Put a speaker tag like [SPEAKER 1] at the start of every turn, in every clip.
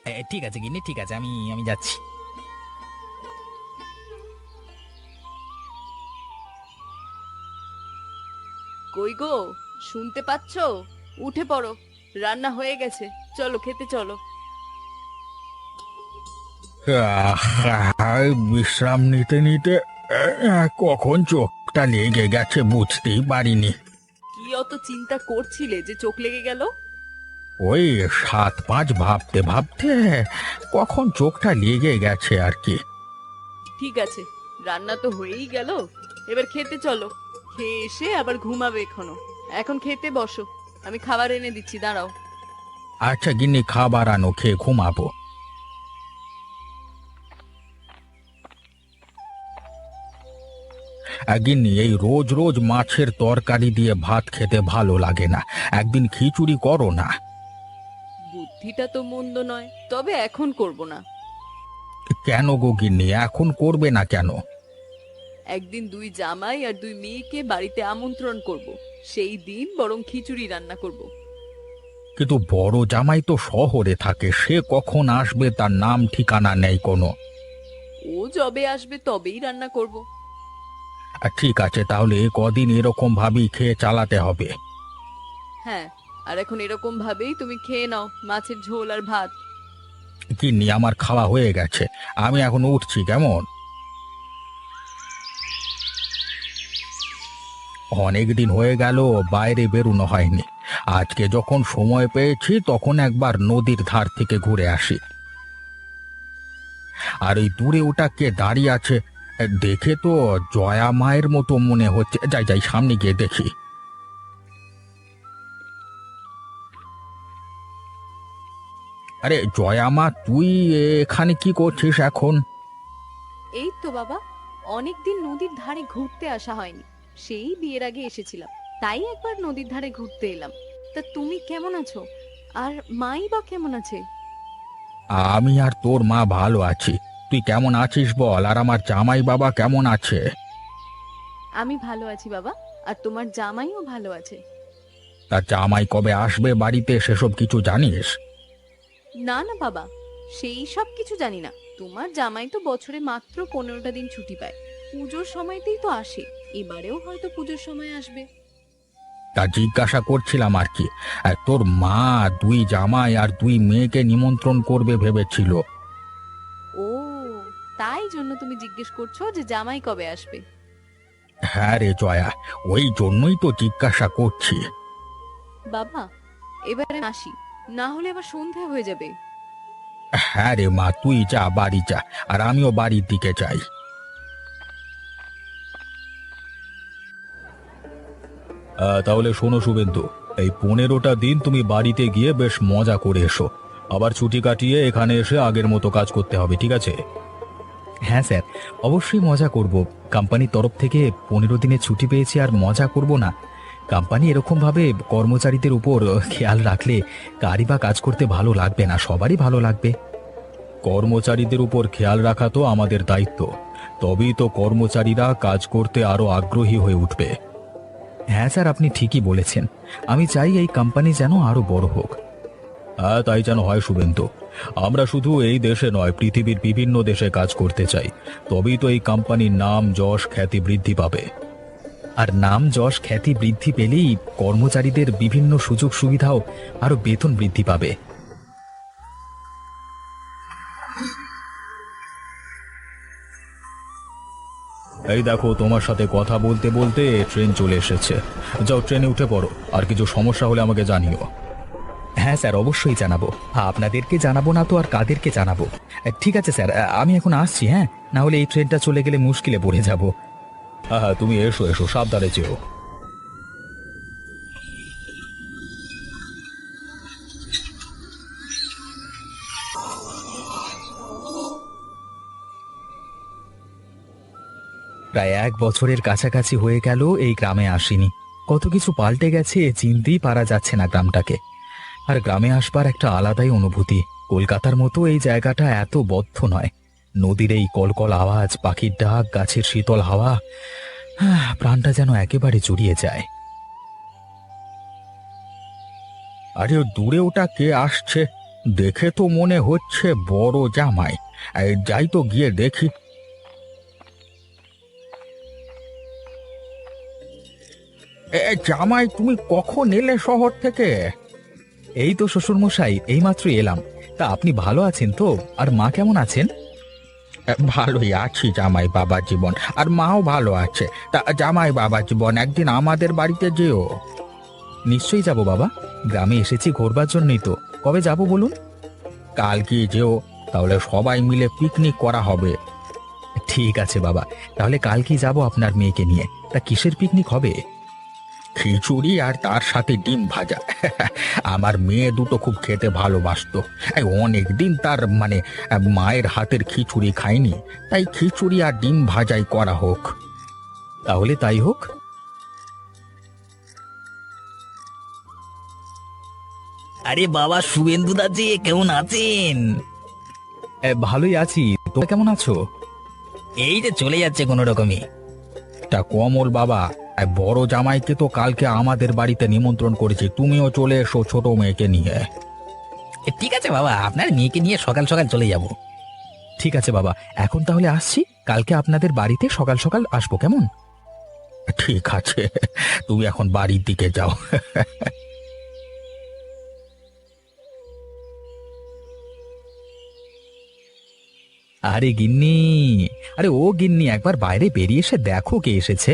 [SPEAKER 1] ঠিক আছে গিন্নি, ঠিক আছে, আমি আমি যাচ্ছি।
[SPEAKER 2] কই গো, শুনতে পাচ্ছো? উঠে পড়ো, রান্না হয়ে গেছে, চলো খেতে চলো।
[SPEAKER 1] বিশ্রাম নিতে নিতে কখন চোখটা লেগে গেছে বুঝতেই পারিনি।
[SPEAKER 2] কি অত চিন্তা করছিলে যে চোখ লেগে গেল?
[SPEAKER 1] ওই 7-5 ভাবতে ভাবতে কখন চোখটা লেগে গেছে আর কি।
[SPEAKER 2] ঠিক আছে, রান্না তো হয়েই গেল, এবার খেতে চলো। খেয়ে এসে আবার ঘুমাবে এখনো। এখন খেতে বসো, আমি খাবার এনে দিচ্ছি, দাঁড়াও।
[SPEAKER 1] আচ্ছা গিন্নি, খাবার আনো, খেয়ে ঘুমাবো। গিন্নি, এই রোজ রোজ মাছের তরকারি দিয়ে ভাত খেতে ভালো লাগে না। একদিন খিচুড়ি করো না।
[SPEAKER 2] বুদ্ধিটা তো মন্দ নয়, তবে এখন করব না।
[SPEAKER 1] কেন গো গিন্নি, এখন করবে না কেন?
[SPEAKER 2] একদিন দুই জামাই আর দুই মেয়েকে বাড়িতে আমন্ত্রণ করব, সেই দিন বরং খিচুড়ি রান্না করব।
[SPEAKER 1] কিন্তু বড় জামাই তো শহরে থাকে, সে কখন আসবে তার নাম ঠিকানা নেই কোনো।
[SPEAKER 2] ও যবে আসবে তবেই রান্না করব।
[SPEAKER 1] ঠিক আছে, তাহলে কদিন এরকম ভাবেই খেয়ে চালাতে হবে।
[SPEAKER 2] হ্যাঁ, আর এখন এরকম ভাবেই তুমি খেয়ে নাও মাছের ঝোল আর ভাত।
[SPEAKER 1] গিন্নি, আমার খাওয়া হয়ে গেছে, আমি এখন উঠছি কেমন। অনেক দিন হয়ে গেল বাইরে বেরোনো হয়নি। আজকে যখন সময় পেয়েছি তখন একবার নদীর ধার থেকে ঘুরে আসি। আর ওই দূরে ওটা কে দাঁড়িয়ে আছে, দেখে তো জয়া মায়ের মতো মনে হচ্ছে। যাই যাই, সামনে গিয়ে দেখি। আরে জয়া মা, তুই এখানে কি করছিস এখন?
[SPEAKER 2] এই তো বাবা, অনেকদিন নদীর ধারে ঘুরতে আসা হয়নি, সেই বিয়ের আগে এসেছিলাম, তাই একবার নদীর ধারে ঘুরতে এলাম। তা তুমি কেমন আছো? আর মাই বা কেমন আছে?
[SPEAKER 1] আমি আর তোর মা ভালো আছি। তুই কেমন আছিস বল, আর আমার জামাই বাবা কেমন আছে?
[SPEAKER 2] আমি ভালো আছি বাবা, আর তোমার জামাইও ভালো আছে।
[SPEAKER 1] তার জামাই কবে আসবে বাড়িতে সেসব কিছু জানিস?
[SPEAKER 2] না না বাবা, সেই সব কিছু জানি না। তোমার জামাই তো বছরে মাত্র 15টা দিন ছুটি পায়, পুজোর সময়তেই তো আসে। এবারেও হয়তো পুজোর সময় আসবে।
[SPEAKER 1] তা জিজ্ঞাসা করছিলাম আর কি। আর তোর মা দুই জামাই আর দুই মেয়েকে নিমন্ত্রণ করবে ভেবেছিল।
[SPEAKER 2] ও, তাই জন্য তুমি জিজ্ঞেস করছো যে জামাই কবে আসবে?
[SPEAKER 1] হ্যাঁ রে জয়া, ওই জন্যই তো জিজ্ঞাসা করছি।
[SPEAKER 2] বাবা, এবারে আসি, না হলে আবার সন্ধে হয়ে যাবে।
[SPEAKER 1] হ্যাঁ রে মা, তুই যা, বাড়ি যা, আর আমিও বাড়ির দিকে যাই। তাহলে শোনো শুভেন্দু, এই 15টা দিন তুমি বাড়িতে গিয়ে বেশ মজা করে এসো। আবার ছুটি কাটিয়ে এখানে এসে আগের মতো কাজ করতে হবে, ঠিক আছে? হ্যাঁ স্যার, অবশ্যই মজা করব। কোম্পানির তরফ থেকে 15 দিনের ছুটি পেয়েছি, আর মজা করব না? কোম্পানি এরকমভাবে কর্মচারীদের উপর খেয়াল রাখলে কারই বা কাজ করতে ভালো লাগবে না, সবারই ভালো লাগবে। কর্মচারীদের উপর খেয়াল রাখা তো আমাদের দায়িত্ব, তবেই তো কর্মচারীরা কাজ করতে আরো আগ্রহী হয়ে উঠবে। হ্যাঁ স্যার, আপনি ঠিকই বলেছেন। আমি চাই এই কোম্পানি যেন আরো বড় হোক। হ্যাঁ, তাই যেন হয় শুভেন্দু। আমরা শুধু এই দেশে নয়, পৃথিবীর বিভিন্ন দেশে কাজ করতে চাই, তবেই তো এই কোম্পানির নাম যশ খ্যাতি বৃদ্ধি পাবে। আর নাম যশ খ্যাতি বৃদ্ধি পেলেই কর্মচারীদের বিভিন্ন সুযোগ সুবিধাও আরো বেতন বৃদ্ধি পাবে। এই দেখো, তোমার সাথে কথা বলতে বলতে ট্রেন চলে এসেছে। যাও, ট্রেনে উঠে পড়ো, আর কিছু সমস্যা হলে আমাকে জানিও। হ্যাঁ স্যার, অবশ্যই জানাবো। আপনাদেরকে জানাবো না তো আর কাদেরকে জানাবো? ঠিক আছে স্যার, আমি এখন আসছি। হ্যাঁ, না হলে এই ট্রেনটা চলে গেলে মুশকিলে পড়ে যাব। হ্যাঁ হ্যাঁ, তুমি এসো এসো, সাবধানে যেও। প্রায় 1 বছরের কাছাকাছি হয়ে গেল এই গ্রামে আসিনি। কত কিছু পাল্টে গেছে, চিনতেই পারা যাচ্ছে না গ্রামটাকে। আর গ্রামে আসবার একটা আলাদাই অনুভূতি। কলকাতার মতো এই জায়গাটা এত বদ্ধ নয়। নদীর এই কলকল আওয়াজ, পাখির ডাক, গাছের শীতল হাওয়া, প্রাণটা যেন একেবারে জুড়িয়ে যায়। আরে দূরে ওটা কে আসছে? দেখে তো মনে হচ্ছে বড় জামাই। এই যাই তো গিয়ে দেখি। জামাই, তুমি কখন এলে শহর থেকে? এই তো শ্বশুর মশাই, এইমাত্র এলাম। তা আপনি ভালো আছেন তো? আর মা কেমন আছেন? ভালোই আছি জামাই বাবা জীবন, আর মাও ভালো আছে। তা জামাই বাবা জীবন, একদিন আমাদের বাড়িতে যেও। নিশ্চয়ই যাব বাবা, গ্রামে এসেছি ঘোরবার জন্যই তো। কবে যাব বলুন? কালকে যেও, তাহলে সবাই মিলে পিকনিক করা হবে। ঠিক আছে বাবা, তাহলে কালকেই যাব আপনার মেয়েকে নিয়ে। তা কিসের পিকনিক হবে? খিচুড়ি আর তার সাথে ডিম ভাজা। আমার মেয়ে দুটো খুব খেতে ভালোবাসতো। অনেক দিন তার মায়ের হাতের খিচুড়ি খায়নি, তাই খিচুড়ি আর ডিম ভাজাই করা হোক। তাহলে তাই হোক।
[SPEAKER 3] আরে বাবা, শুভেন্দু দা যে কেমন আছেন?
[SPEAKER 1] ভালোই আছি, তোমরা কেমন আছো?
[SPEAKER 3] এই যে চলে যাচ্ছে কোনো রকমই।
[SPEAKER 1] তা কমল বাবা, বড় জামাইকে তো কালকে আমাদের বাড়িতে নিমন্ত্রণ করেছি, তুমিও চলে এসো ছোট মেয়েকে নিয়ে।
[SPEAKER 3] ঠিক আছে বাবা, আপনার মেয়েকে নিয়ে সকাল সকাল চলে যাব।
[SPEAKER 1] ঠিক আছে বাবা, এখন তাহলে আসছি। কালকে আপনাদের বাড়িতে সকাল সকাল আসবো, কেমন? ঠিক আছে, তুমি এখন বাড়ির দিকে যাও। আরে গিন্নি, আরে ও গিন্নি, একবার বাইরে বেরিয়ে এসে দেখো কে এসেছে।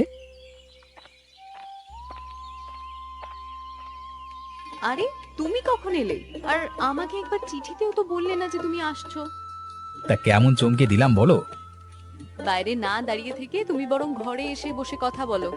[SPEAKER 2] আরে তুমি কখন এলে? আর আমাকে একবার চিঠিতেও তো বললে না যে তুমি আসছো।
[SPEAKER 1] তা কেমন চমকে দিলাম বলো?
[SPEAKER 2] বাইরে না দাঁড়িয়ে থেকে তুমি বরং ঘরে এসে বসে কথা বলো।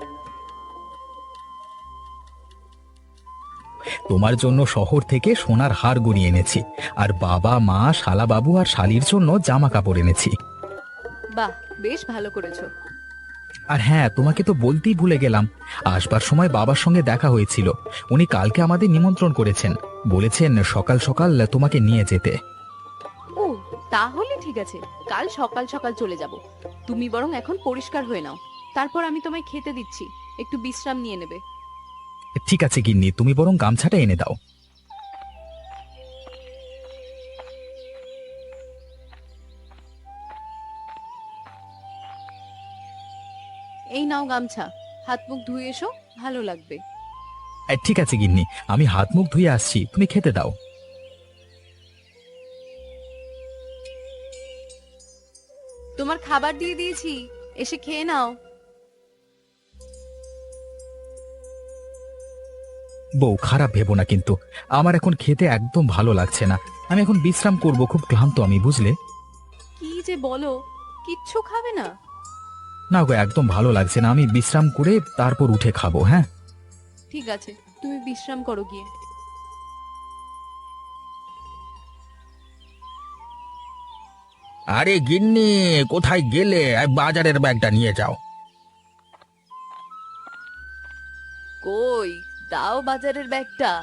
[SPEAKER 1] তোমার জন্য শহর থেকে সোনার হার গড়িয়ে এনেছি, আর বাবা মা শালা বাবু আর শালির জন্য জামা কাপড় এনেছি।
[SPEAKER 2] বাহ, বেশ ভালো করেছো।
[SPEAKER 1] আর হ্যাঁ, তোমাকে তো বলতেই ভুলে গেলাম, আসবার সময় বাবার সঙ্গে দেখা হয়েছিল। উনি কালকে আমাদের নিমন্ত্রণ করেছেন, বলেছেন সকাল সকাল তোমাকে নিয়ে যেতে।
[SPEAKER 2] ও, তাহলে ঠিক আছে, কাল সকাল সকাল চলে যাব। তুমি বরং এখন পরিষ্কার হয়ে নাও, তারপর আমি তোমায় খেতে দিচ্ছি, একটু বিশ্রাম নিয়ে নেবে।
[SPEAKER 1] ঠিক আছে গিন্নি, তুমি বরং গামছাটা এনে দাও।
[SPEAKER 2] এই নাও গামছা, হাত মুখ ধুয়ে এসো, ভালো লাগবে।
[SPEAKER 1] ঠিক আছে গিন্নি, আমি হাত মুখ ধুয়ে আসছি, তুমি খেতে দাও।
[SPEAKER 2] তোমার খাবার দিয়ে দিয়েছি, এসে খেয়ে নাও।
[SPEAKER 1] বউ, খারাপ ভেবো না কিন্তু, আমার এখন খেতে একদম ভালো লাগছে না। আমি এখন বিশ্রাম করব, খুব ক্লান্ত আমি, বুঝলে?
[SPEAKER 2] কি যে বলো, কিচ্ছু খাবে না?
[SPEAKER 1] না গো, একদম ভালো লাগছে না, আমি বিশ্রাম করে তারপর উঠে খাবো। হ্যাঁ,
[SPEAKER 2] ঠিক আছে, তুমি বিশ্রাম করো গিয়ে।
[SPEAKER 1] আরে গিন্নি, কোথায় গেলে? বাজারের ব্যাগটা নিয়ে যাও।
[SPEAKER 2] কই, দাও বাজারের ব্যাগটা।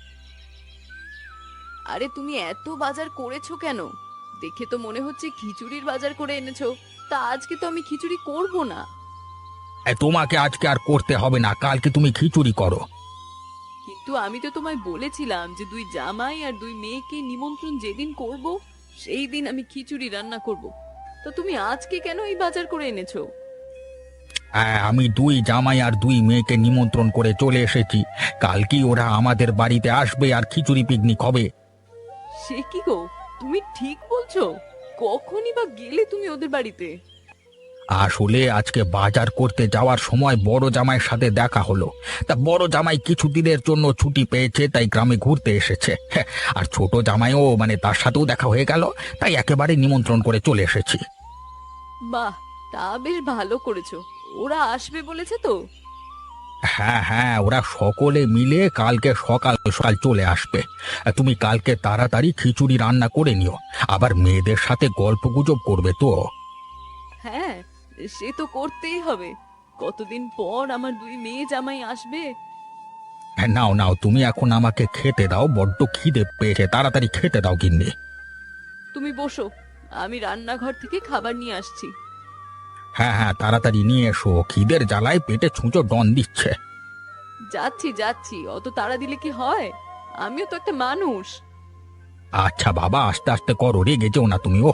[SPEAKER 2] আরে তুমি এত বাজার করেছো কেন? দেখে তো মনে হচ্ছে খিচুড়ির বাজার করে এনেছো। তা আজকে তো আমি খিচুড়ি করব না।
[SPEAKER 1] তোমাকে আজকে আর করতে হবে না, কালকে তুমি খিচুড়ি করো।
[SPEAKER 2] কিন্তু আমি তো তোমায় বলেছিলাম যে দুই জামাই আর দুই মেয়েকে নিমন্ত্রণ যেদিন করব সেই দিন আমি খিচুড়ি রান্না করব। তো তুমি আজকে কেন এই বাজার করে এনেছো?
[SPEAKER 1] আমি দুই জামাই আর দুই মেয়েকে নিমন্ত্রণ করে চলে এসেছি। কালকেই ওরা আমাদের বাড়িতে আসবে আর খিচুড়ি পিকনিক হবে।
[SPEAKER 2] সে কি গো, তুমি ঠিক বলছো? কখনই বা গেলে তুমি ওদের বাড়িতে?
[SPEAKER 1] আসলে আজকে বাজার করতে যাওয়ার সময় বড় জামাইয়ের সাথে দেখা হলো। তা বড় জামাই কিছুদিনের জন্য ছুটি পেয়েছে, তাই গ্রামে ঘুরতে এসেছে। হ্যাঁ, আর ছোট জামাইও তার সাথেও দেখা হয়ে গেল, তাই একেবারে নিমন্ত্রণ করে চলে এসেছি।
[SPEAKER 2] বাহ, তা বেশ ভালো করেছো। ওরা আসবে বলেছে তো?
[SPEAKER 1] হ্যাঁ হ্যাঁ, ওরা সকলে মিলে কালকে সকাল সকাল চলে আসবে। তুমি কালকে তাড়াতাড়ি খিচুড়ি রান্না করে নিও, আবার মেয়েদের সাথে গল্পগুজব করবে তো।
[SPEAKER 2] হ্যাঁ, সে তো করতেই হবে। কতদিন পর আমার দুই মেয়ে জামাই আসবে।
[SPEAKER 1] হ্যাঁ, নাও নাও, তুমি এখন আমাকে খেতে দাও, বড্ড খিদে পেয়েছে, তাড়াতাড়ি খেতে দাও গিন্নি।
[SPEAKER 2] তুমি বসো, আমি রান্নাঘর থেকে খাবার নিয়ে আসছি।
[SPEAKER 1] হ্যাঁ হ্যাঁ, তাড়াতাড়ি নিয়ে এসো, খিদের জ্বালায় পেটে ছুঁচো ডন দিচ্ছে।
[SPEAKER 2] যাচ্ছি যাচ্ছি, অত তাড়া দিলে কি হয়? আমিও তো একটা মানুষ।
[SPEAKER 1] আচ্ছা বাবা, আস্তে আস্তে করো, রেগে যেও না তুমি। ও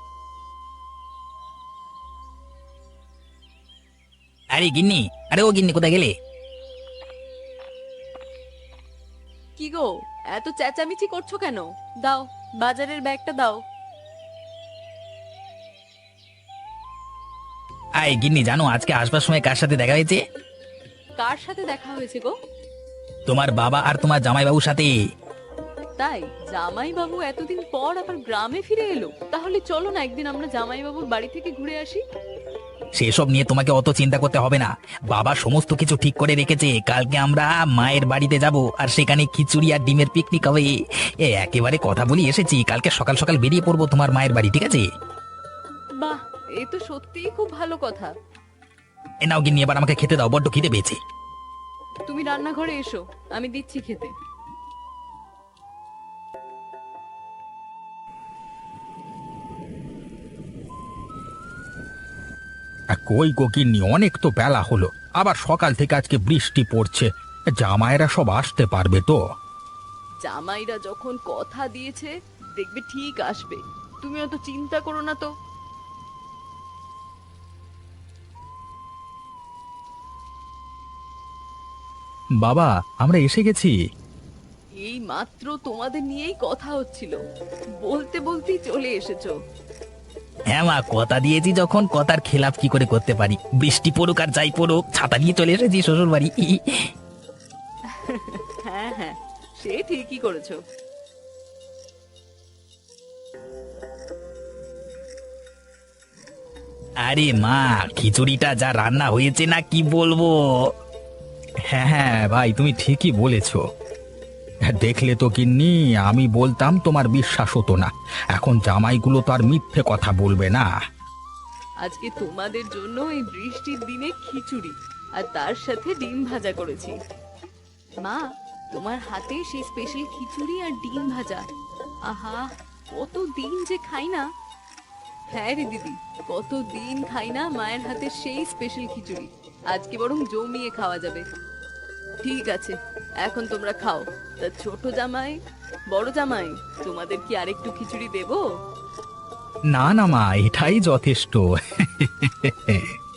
[SPEAKER 3] আরে গিন্নি, আরে ও গিন্নি কোথায় গেলে?
[SPEAKER 2] কি গো, এত চেঁচামেচি করছো কেন? দাও, বাজারের ব্যাগটা দাও।
[SPEAKER 3] আয় গিন্নি, জানো আজকে আসবার সময় কার সাথে দেখা হয়েছে?
[SPEAKER 2] কার সাথে দেখা হয়েছে গো?
[SPEAKER 3] তোমার বাবা আর তোমার জামাইবাবুর সাথে।
[SPEAKER 2] তাই? জামাই বাবু এতদিন পর আবার গ্রামে ফিরে এলো? তাহলে চলো না একদিন আমরা জামাই বাবুর বাড়ি থেকে ঘুরে আসি।
[SPEAKER 3] সেসব নিয়ে তোমাকে অত চিন্তা করতে হবে না। বাবা সমস্ত কিছু ঠিক করে রেখেছে। কালকে আমরা মায়ের বাড়িতে যাব, আর সেখানে খিচুড়ি আর ডিমের পিকনিক হবে। একেবারে কথা বলি এসেছি, কালকে সকাল সকাল বেরিয়ে পড়বো তোমার মায়ের বাড়ি, ঠিক আছে?
[SPEAKER 2] বাহ, এই তো সত্যিই খুব ভালো কথা।
[SPEAKER 3] নাও গিন্নি, এবার আমাকে খেতে দাও, বড্ড খিদে পেয়েছে।
[SPEAKER 2] তুমি রান্নাঘরে এসো, আমি দিচ্ছি খেতে।
[SPEAKER 1] কই গো গিন্নি, অনেক তো বেলা হলো, আবার সকাল থেকে আজকে বৃষ্টি পড়ছে। জামাইরা সব আসতে পারবে তো?
[SPEAKER 2] জামাইরা যখন কথা দিয়েছে দেখবে ঠিক আসবে, তুমি অত চিন্তা করো না তো।
[SPEAKER 1] বাবা, আমরা এসে গেছি।
[SPEAKER 2] এই মাত্র তোমাদের নিয়েই কথা হচ্ছিল, বলতে বলতেই চলে এসেছো।
[SPEAKER 3] হ্যাঁ মা, কথা দিয়েছি যখন কথার খেলাপ কি করে করতে পারি? বৃষ্টি পড়ুক আর যাই পড়ুক, ছাতা নিয়ে চলে এসেছি শ্বশুর বাড়ি।
[SPEAKER 2] হ্যাঁ হ্যাঁ, সে ঠিকই করেছো।
[SPEAKER 3] আরে মা, খিচুড়িটা যা রান্না হয়েছে না, কি বলবো।
[SPEAKER 1] হ্যাঁ হ্যাঁ ভাই, তুমি ঠিকই বলেছ। দেখলে তো গিন্নি, আমি বলতাম তোমার বিশ্বাস হতো না। এখন জামাইগুলো তো আর মিথ্যে কথা বলবে না।
[SPEAKER 2] আজকে তোমাদের জন্য এই বৃষ্টির দিনে খিচুড়ি আর তার সাথে ডিম ভাজা করেছি। মা, তোমার হাতে সেই স্পেশাল খিচুড়ি আর ডিম ভাজা, আহা, কতদিন যে খাই না। হ্যাঁ রে দিদি, কতদিন খাই না মায়ের হাতে সেই স্পেশাল খিচুড়ি। আজকে বরং জমিয়ে খাওয়া যাবে। ঠিক আছে, এখন তোমরা খাও। তা ছোট জামাই, বড় জামাই, তোমাদের কি আরেকটু খিচুড়ি দেবো?
[SPEAKER 1] না না মা, এটাই যথেষ্ট।